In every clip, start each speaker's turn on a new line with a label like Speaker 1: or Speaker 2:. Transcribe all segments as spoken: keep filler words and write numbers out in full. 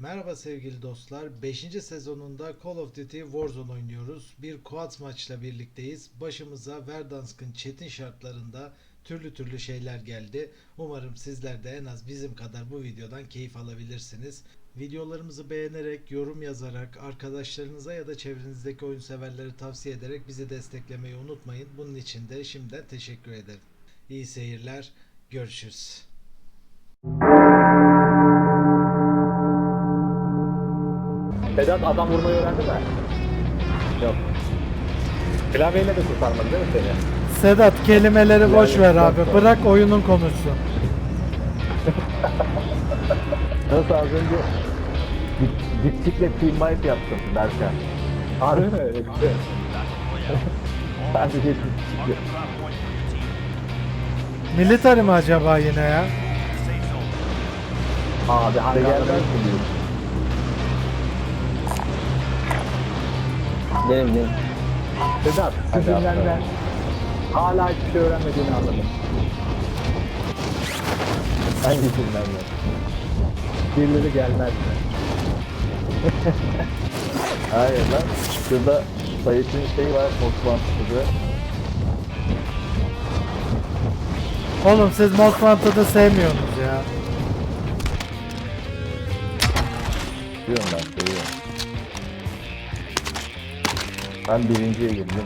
Speaker 1: Merhaba sevgili dostlar. beşinci sezonunda Call of Duty Warzone oynuyoruz. Bir quad maçla birlikteyiz. Başımıza Verdansk'ın çetin şartlarında türlü türlü şeyler geldi. Umarım sizler de en az bizim kadar bu videodan keyif alabilirsiniz. Videolarımızı beğenerek, yorum yazarak, arkadaşlarınıza ya da çevrenizdeki oyun severlere tavsiye ederek bizi desteklemeyi unutmayın. Bunun için de şimdiden teşekkür ederim. İyi seyirler. Görüşürüz.
Speaker 2: Sedat adam vurmayı öğrendi mi? Yok. Klavyeyle de kurtarmadı değil mi seni?
Speaker 3: Sedat kelimeleri boş ver abi. Bırak oyunun konuşsun.
Speaker 2: Nasıl az önce dipçikle team wipe yaptım Berkan. Harbi mi? Öyle bir şey. Sadece dipçikle.
Speaker 3: Military mi acaba yine ya?
Speaker 2: Abi hangarda ben biliyorum.
Speaker 4: Benim benim.
Speaker 2: Sedat, sizinden ben hala hiçbir şey öğrenmediğini anladım. Hangisinden ben? Birileri gelmez mi? Hayır lan, şurada Sayıt'ın şey var, Osmanlı'da.
Speaker 3: Oğlum siz Most Wanted'ı sevmiyorsunuz ya.
Speaker 2: Diyorum ben, seviyorum. Ben birinciye girdim.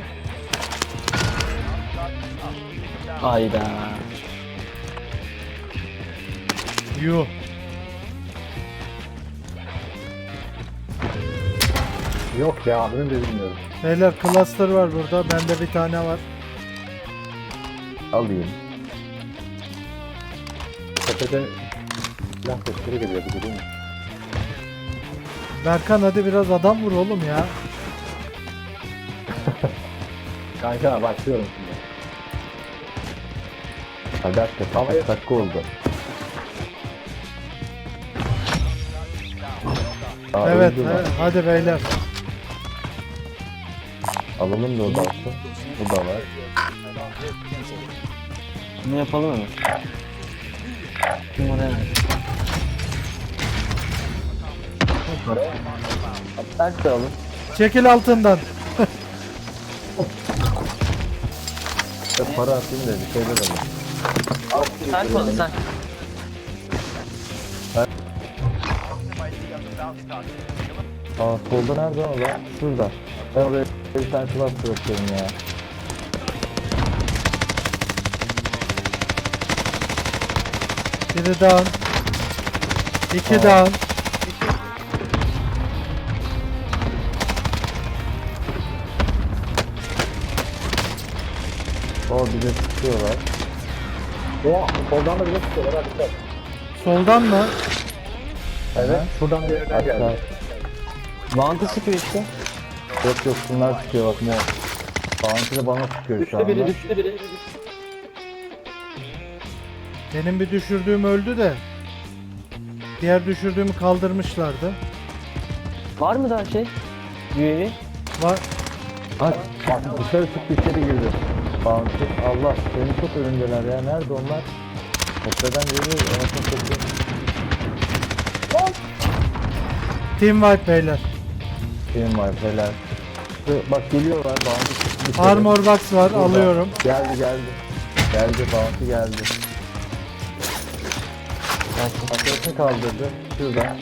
Speaker 4: Hayda.
Speaker 3: Yuh.
Speaker 2: Yok ya, adını da bilmiyorum.
Speaker 3: Beyler cluster var burada. Bende bir tane var.
Speaker 2: Alayım. Tepede silah sesleri geliyor, bir değil mi?
Speaker 3: Berkan hadi biraz adam vur oğlum ya.
Speaker 2: Kanka başlıyorum şimdi. Hadi hakikaten kaç dakika oldu. Aa,
Speaker 3: Evet,
Speaker 2: öldü lan.
Speaker 3: evet hadi beyler.
Speaker 2: Alalım da o da olsun. Bu da var.
Speaker 4: Ne yapalım hemen? Numara hemen.
Speaker 2: Ters de alın.
Speaker 3: Çekil altından.
Speaker 2: Ya para atayım da bir şeyler alayım.
Speaker 4: Sen konuş sen.
Speaker 2: Aa solda nerede o lan? Şurada. Ben oraya bir tane silah bırakıyorum ya.
Speaker 3: Biri down. İki
Speaker 2: Aa.
Speaker 3: down.
Speaker 2: O bize sıkıyorlar. O soldan da bize sıkıyorlar hadi.
Speaker 3: Soldan mı?
Speaker 2: Evet. Şuradan bir yerden geldi.
Speaker 4: Vantı sıkıyor işte.
Speaker 2: Yok yok bunlar sıkıyor bak mor. Bounty de bana sıkıyor şu
Speaker 4: Düştü
Speaker 2: anda.
Speaker 4: biri düştü biri.
Speaker 3: Benim bir düşürdüğüm öldü de. Diğer düşürdüğümü kaldırmışlardı.
Speaker 4: Var mı daha şey? U A V?
Speaker 3: Var.
Speaker 2: Aç. Bak dışarı çıktı içeri girdi. Bounty. Allah seni çok önündeler ya. Nerede onlar? Tepeden geliyor. Anasını satayım.
Speaker 3: Team wipe beyler.
Speaker 2: Benim var helal. Şu- Bak geliyorlar. Bounty çıktı dışarı.
Speaker 3: Armor box var
Speaker 2: Burada.
Speaker 3: alıyorum.
Speaker 2: Geldi geldi. Geldi Bounty geldi. Arkasını kaldırdı. Şurada.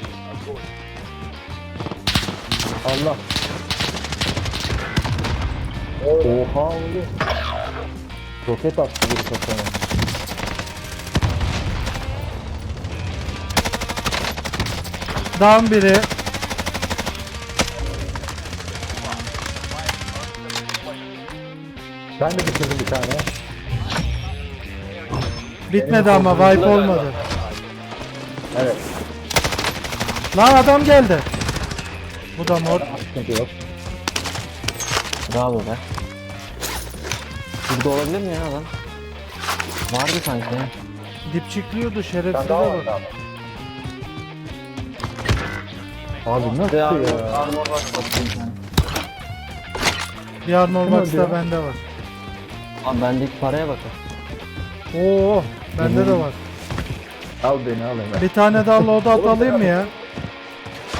Speaker 2: Allah. Oha oğlum. Roket attı bir kafana.
Speaker 3: Down biri.
Speaker 2: Ben de bitirdim bir tane.
Speaker 3: Bitmedi ama wipe olmadı.
Speaker 2: Evet.
Speaker 3: Lan adam geldi. Bu da mor.
Speaker 2: Sıkıntı yok.
Speaker 4: Bravo be. Burada olabilir mi ya adam? Vardı sanki ya.
Speaker 3: Dipçikliyordu şerefsize
Speaker 2: Ben daha
Speaker 3: bak.
Speaker 2: vardı ama. Abi nasıl
Speaker 4: Ya,
Speaker 2: ya?
Speaker 4: armor var. Bakayım.
Speaker 3: Bir armor
Speaker 2: Kim
Speaker 3: box
Speaker 2: öldü
Speaker 3: da
Speaker 2: ya?
Speaker 3: bende var.
Speaker 4: Abi bendeki paraya bakın.
Speaker 3: Oo, bende de var.
Speaker 2: Al beni al hemen.
Speaker 3: Bir tane daha loadout alayım mı ya?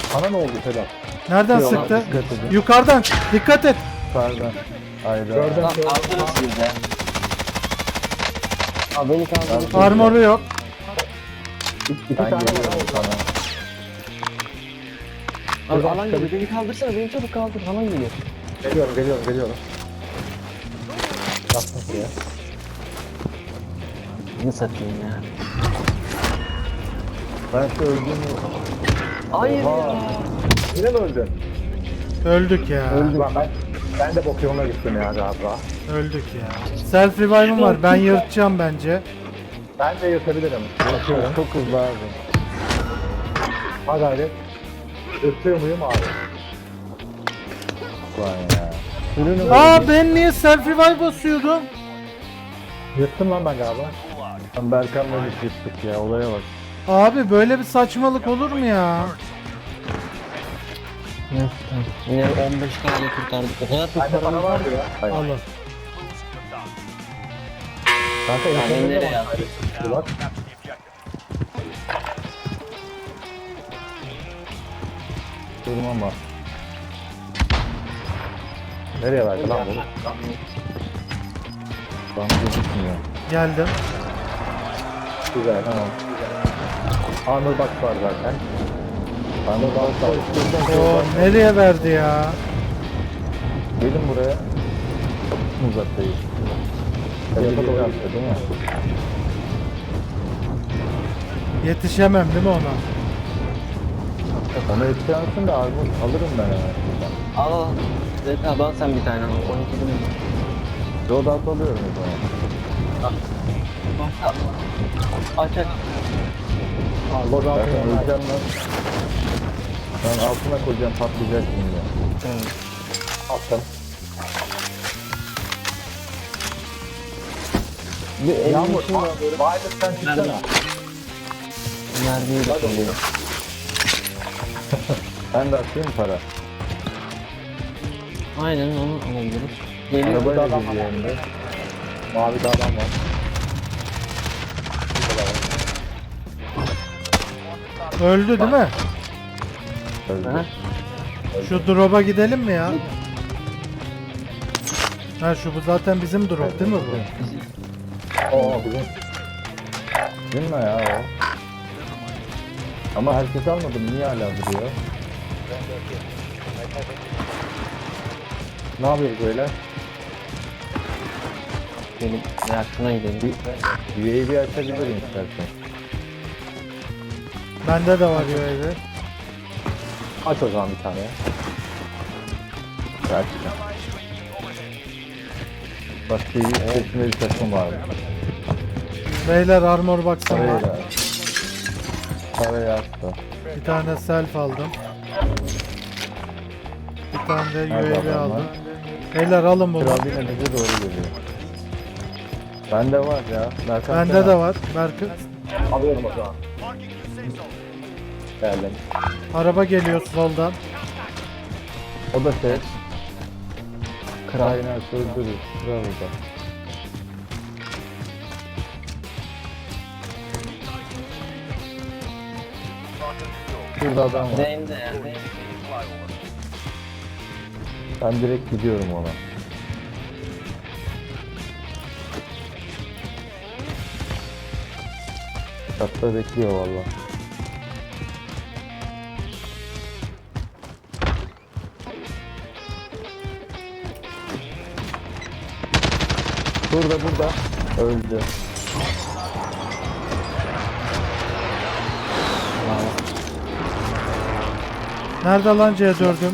Speaker 2: Sana ne oldu Sedat?
Speaker 3: Nereden
Speaker 2: Yok,
Speaker 3: sıktı?
Speaker 2: dikkat edin.
Speaker 3: Yukarıdan. Dikkat et.
Speaker 2: Yukarıdan. Hayda.
Speaker 4: Lan kaldırın siz de. Abi beni kaldırın.
Speaker 3: Armoru yok.
Speaker 2: İki tane geliyorum sana.
Speaker 4: Abi alan geliyor. Beni kaldırsana. Beni çabuk kaldır. Alan geliyor.
Speaker 2: Geliyorum, geliyorum, geliyorum. Yaptım buraya.
Speaker 4: Ne satayım ya.
Speaker 2: Ben şu öldüğümü...
Speaker 4: Hayır
Speaker 2: Oha.
Speaker 4: ya.
Speaker 2: Yine mi öldün?
Speaker 3: Öldük ya.
Speaker 2: Lan ben, ben de bok yoluna gittim ya galiba.
Speaker 3: Öldük ya. Self revive'ım var. Ben yırtacağım bence.
Speaker 2: Ben de yırtabilirim. Bakıyorum. Çok hızlı abi. Ha gayret. Yırtıyor muyum abi? Vay ya. Ürünü
Speaker 3: Aa ben niye self revive basıyordum?
Speaker 2: Yırttım lan ben galiba. Lan Berkan'la bir yırttık ya, olaya bak.
Speaker 3: Abi böyle bir saçmalık olur mu ya?
Speaker 4: Yine on beş tane kurtardık. O kadar çok
Speaker 2: Bende para
Speaker 4: paramız var.
Speaker 2: vardı ya. Hayır.
Speaker 3: Alın.
Speaker 2: Kanka
Speaker 4: Yani
Speaker 2: insanları da
Speaker 4: nereye
Speaker 2: bak.
Speaker 4: attın?
Speaker 2: Hadi bak. Durmam var. Nereye verdi lan bunu? Lan gözükmüyor.
Speaker 3: Geldim.
Speaker 2: Güzel, tamam. Armor box var zaten. Armor box var.
Speaker 3: O nereye verdi ya?
Speaker 2: Gelin buraya. Çok mu uzaktayız? Tarafa doğru attı değil mi?
Speaker 3: Yetişemem değil mi ona?
Speaker 2: Ona yetişemezsin de armor alırım ben hemen şuradan.
Speaker 4: Al al. Zeyt abi al sen bir tane. on iki bin.
Speaker 2: Loadout alıyorum o zaman.
Speaker 4: Aç aç.
Speaker 2: Loadout'u öleceğim lan. Ben altına koyacağım, patlayacak şimdi.
Speaker 4: Evet.
Speaker 2: Attım.
Speaker 4: Bir elli
Speaker 2: Yağmur,
Speaker 4: için var.
Speaker 2: Violet sen çıksana.
Speaker 4: Nerede? Mermiyi de koyuyor.
Speaker 2: Ben de atayım para.
Speaker 4: Aynen onu alabiliriz. Geliyor.
Speaker 2: Arabayla geliyor hem de. Mavi bir adam var.
Speaker 3: Öldü değil mi?
Speaker 2: Öldü.
Speaker 4: Aha.
Speaker 3: Şu drop'a gidelim mi ya? Ha şu bu zaten bizim drop değil mi bu?
Speaker 2: Oo bizim. Değil mi ya o? Ama herkes almadı. Niye hala duruyor? Ne yapıyoruz böyle?
Speaker 4: Benim reaksiyona gidelim.
Speaker 2: Bir U A V açabilirim istersen.
Speaker 3: Bende de var U A V.
Speaker 2: Aç o zaman bir tane. Gerçekten. Bak T V içerisinde bir takım var.
Speaker 3: Beyler armor box'ım
Speaker 2: Parayı
Speaker 3: var.
Speaker 2: da. Parayı attı.
Speaker 3: Bir tane self aldım. Bir tane de
Speaker 2: Nerede
Speaker 3: U A V
Speaker 2: adamlar?
Speaker 3: aldım. Beyler alın bunu.
Speaker 2: Kral yine bize doğru geliyor. Bende var ya. Berkan
Speaker 3: Bende
Speaker 2: sen
Speaker 3: de
Speaker 2: al.
Speaker 3: var. Berkı.
Speaker 2: Alıyorum o zaman. Geldim.
Speaker 3: Araba geliyor soldan.
Speaker 2: O da şey.
Speaker 4: Kral.
Speaker 2: Aynen öldürür. Kral orada. Şurada adam var.
Speaker 4: Zeyn'de ya.
Speaker 2: Ben direkt gidiyorum ona. Çatta bekliyor valla. Burada burada. Öldü.
Speaker 3: Nerede lan C dört'üm?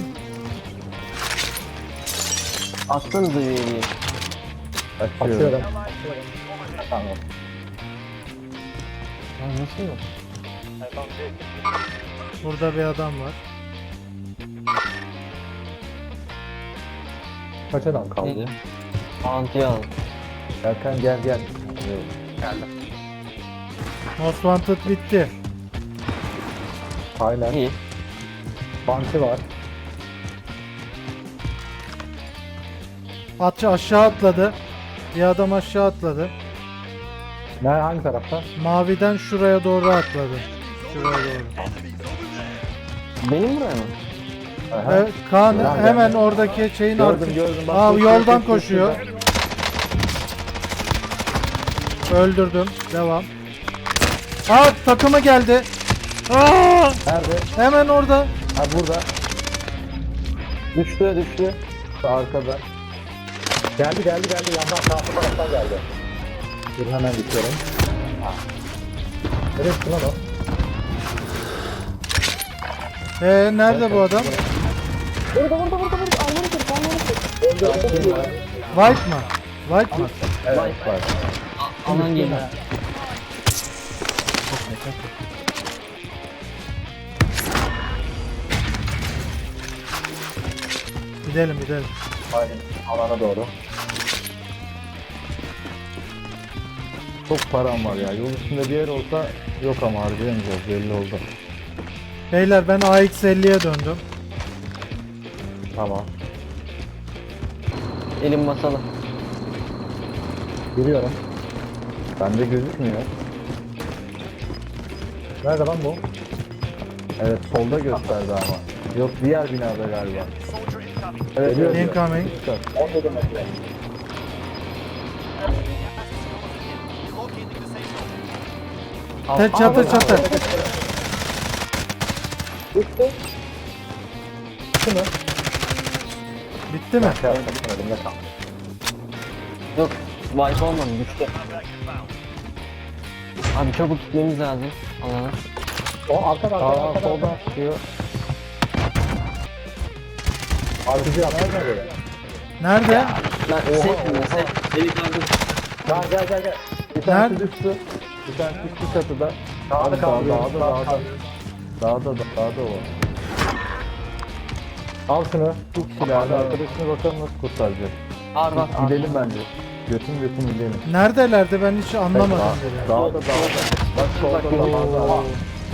Speaker 4: Attınız da üyeliği.
Speaker 2: Açıyorum. Tamam.
Speaker 4: Ya nasıl yok?
Speaker 3: Burada bir adam var.
Speaker 2: Kaç adam kaldı?
Speaker 4: Neydi? Antiye al.
Speaker 2: Erkan gel gel. Geldim.
Speaker 3: Most Wanted bitti.
Speaker 2: Aynen.
Speaker 4: İyi.
Speaker 2: Banti var.
Speaker 3: Atçı aşağı atladı. Bir adam aşağı atladı.
Speaker 2: Ne hangi tarafta?
Speaker 3: Maviden şuraya doğru atladı. Şuraya doğru.
Speaker 4: Benim buraya mı?
Speaker 2: Aha.
Speaker 3: Evet, Kaan
Speaker 2: Lan
Speaker 3: hemen
Speaker 2: ben-
Speaker 3: oradaki şeyin
Speaker 2: Gördüm,
Speaker 3: arka-
Speaker 2: gördüm. Bak,
Speaker 3: Aa,
Speaker 2: koşuyor,
Speaker 3: yoldan
Speaker 2: koşuyor,
Speaker 3: koşuyor. Öldürdüm. Devam. Aa, takımı geldi. Aa,
Speaker 2: Nerede?
Speaker 3: hemen orada.
Speaker 2: Ha burada.
Speaker 4: Düştü düştü.
Speaker 2: Arkada. Geldi geldi geldi. Yandan sağ taraftan geldi. Dur hemen geçiyorum. Nereye gitti lan o?
Speaker 3: Ee, nerede bu adam?
Speaker 4: Burada burada burada burada. Almanı kır. Almanı kır.
Speaker 3: White mı? White mı?
Speaker 2: Evet
Speaker 4: Vay.
Speaker 2: var.
Speaker 4: Aman geliyor.
Speaker 3: Gidelim gidelim.
Speaker 2: Aynen. Alana doğru. Çok param var ya. Yol üstünde bir yer olsa yok ama harcayamayacağız. Belli oldu.
Speaker 3: Beyler ben A X elliye döndüm.
Speaker 2: Tamam.
Speaker 4: Elim basalı.
Speaker 2: Giriyorum. Bende gözükmüyor. Nerede lan bu? Evet solda gösterdi ama. Yok diğer binada galiba. Evet, geliyor, geliyor.
Speaker 3: Incoming.
Speaker 2: on metre.
Speaker 3: Te çatı çatı.
Speaker 2: Bitti. Bitti mi?
Speaker 3: Bitti mi?
Speaker 2: Şey yapmadım, elimde kaldı.
Speaker 4: Yok. Wipe olmadı. Düştü. Abi çabuk gitmemiz lazım. Alana.
Speaker 2: O arkadan arkadan arkadan. Soldan çıkıyor. Artıcı yapmaya göre.
Speaker 3: Nerede?
Speaker 4: Ben set mi? Set. Beni kaldır.
Speaker 2: Gel gel gel gel. Bir tanesi düştü. Bir tanesi düştü çatıda. Dağda kaldı. Dağda dağda. Dağda dağda o. Al şunu. Tut silahını. Arkadaşına bakalım nasıl kurtaracak.
Speaker 4: Var var.
Speaker 2: Gidelim bence. Götüm götüm gidelim.
Speaker 3: Neredelerdi ben hiç anlamadım bile.
Speaker 2: Dağda dağda. Bak solda dağda.
Speaker 3: Oo.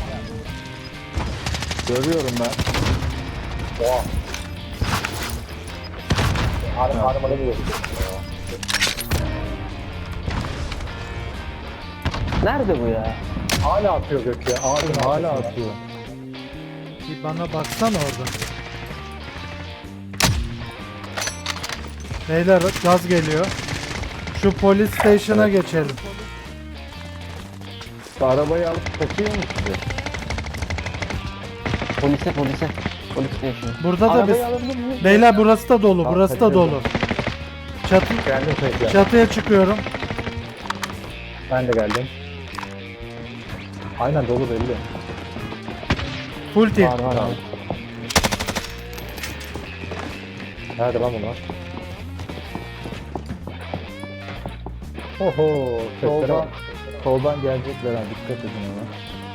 Speaker 2: Görüyorum ben. Oha. Arım arım arım
Speaker 4: Nerede bu ya?
Speaker 2: Hala atıyor gök ya. Ağacın hala atıyor.
Speaker 3: Bir bana baksana orada. Beyler gaz geliyor. Şu polis station'a geçelim.
Speaker 2: Şu arabayı alıp takıyor mu size?
Speaker 4: Polise polise. Polis station.
Speaker 3: Burada da
Speaker 2: Arabayı
Speaker 3: biz...
Speaker 2: alabilir miyiz?
Speaker 3: Beyler burası da dolu,
Speaker 2: Tamam,
Speaker 3: burası da
Speaker 2: kaçıyorum.
Speaker 3: dolu. Çatı,
Speaker 2: Geldim tekrar.
Speaker 3: çatıya çıkıyorum.
Speaker 2: Ben de geldim. Aynen dolu belli.
Speaker 3: Full team.
Speaker 2: Var var abi. Nerede lan bunlar? Oho, soldan, soldan gelecekler ha, dikkat edin ona.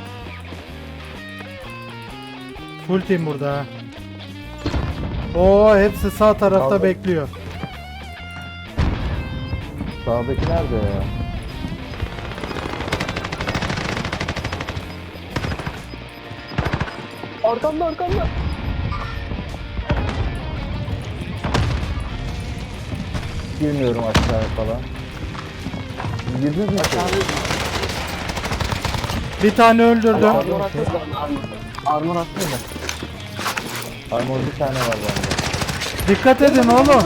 Speaker 3: Full team burada ha. Oo, hepsi sağ tarafta
Speaker 2: Kaldı.
Speaker 3: bekliyor.
Speaker 2: Sağdaki nerede ya?
Speaker 4: Arkamda arkamda.
Speaker 2: Girmiyorum aşağıya falan. Girdiniz mi?
Speaker 3: Bir tane öldürdüm.
Speaker 4: Armor attı da. Armor attı da.
Speaker 2: Armor bir tane var bende.
Speaker 3: Dikkat edin oğlum.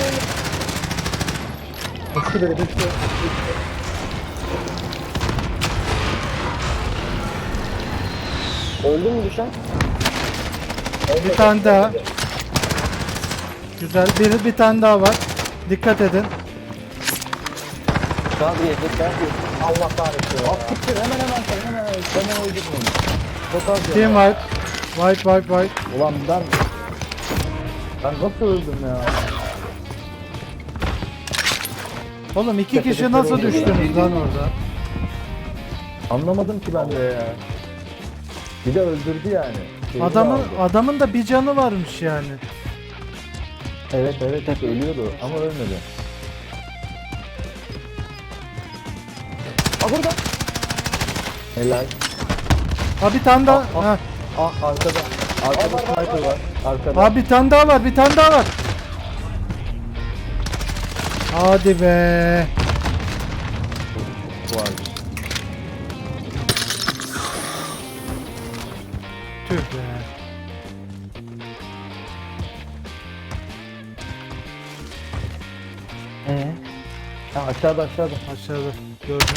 Speaker 2: Düştü biri düştü.
Speaker 4: Öldü mü düşen?
Speaker 3: Bir tane daha. Güzel. Bir, bir tane daha var. Dikkat edin.
Speaker 4: Kadriye tekrar.
Speaker 2: Allah kahretsin. At çıktı hemen hemen sen hemen hemen hemen uydurdun onu. Çok az ya.
Speaker 3: Team wipe. Wipe wipe wipe.
Speaker 2: Ulan ben... Ben nasıl öldüm ya?
Speaker 3: Oğlum iki kişi nasıl düştünüz lan orada?
Speaker 2: Anlamadım ki ben de ya. Bir de öldürdü yani. Şeyini
Speaker 3: Adamın
Speaker 2: aldı.
Speaker 3: adamın da bir canı varmış yani.
Speaker 2: Evet evet hep ölüyordu ama ölmedi.
Speaker 4: Aa burada.
Speaker 2: Helal.
Speaker 3: Ha bir tane daha. Ha.
Speaker 2: Ah arkada. Arkada sniper var. Arkada.
Speaker 3: Ha bir tane daha var. Bir tane daha var. Hadi be.
Speaker 2: Bu vardı.
Speaker 3: Tüh be.
Speaker 2: Aa aşağıda aşağıda.
Speaker 3: Aşağıda gördüm.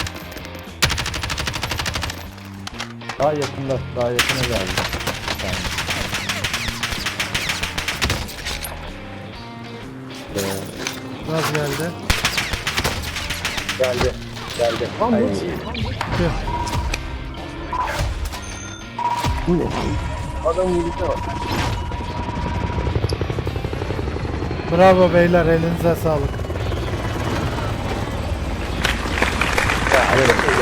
Speaker 2: Daha yakında. Daha yakına geldi. Tamam. Ee,
Speaker 3: Gaz geldi.
Speaker 2: geldi. Geldi.
Speaker 4: Lan
Speaker 2: Ay,
Speaker 4: bu
Speaker 3: Tüh.
Speaker 4: bu ne? Adam yürüyüşe bak.
Speaker 3: Bravo beyler, elinize sağlık.
Speaker 2: ya, evet.